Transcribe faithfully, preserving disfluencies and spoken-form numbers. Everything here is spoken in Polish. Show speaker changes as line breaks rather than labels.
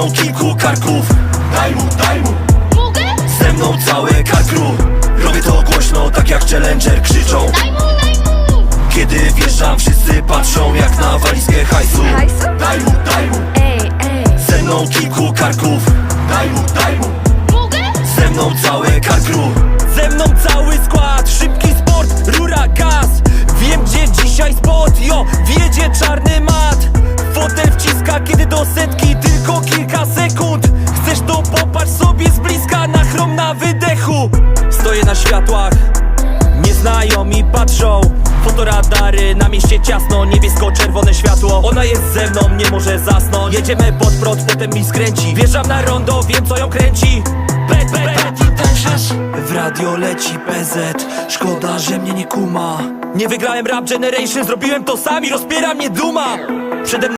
mną kilku karków. Daj mu, daj mu.
Mogę?
Ze mną całe karkru. Robię to głośno, tak jak Challenger krzyczą.
Daj mu, daj mu.
Kiedy wjeżdżam, wszyscy patrzą jak na walizkę hajsu.
Hajsu?
Daj mu, daj mu.
Ej, ej.
Ze mną kilku karków. Daj mu, daj mu.
Mogę?
Ze mną całe karkru.
Ze mną cały skład, szybki sport, rura, gaz. Wiem gdzie dzisiaj spot, jo, wjedzie czarny mat. Fotel wciska, kiedy do setki tylko kilka sekund. Chcesz to popatrz sobie z bliska, na chrom na wydechu. Stoję na światłach, nieznajomi patrzą. Fotoradary, na mieście ciasno, niebiesko-czerwone światło. Ona jest ze mną, nie może zasnąć. Jedziemy pod prąd, potem mi skręci. Wjeżdżam na rondo, wiem co ją kręci. Bet, bet, bet i też w radio leci P Z. Szkoda, że mnie nie kuma. Nie wygrałem Rap Generation, zrobiłem to sam i rozpiera mnie duma. Przede mną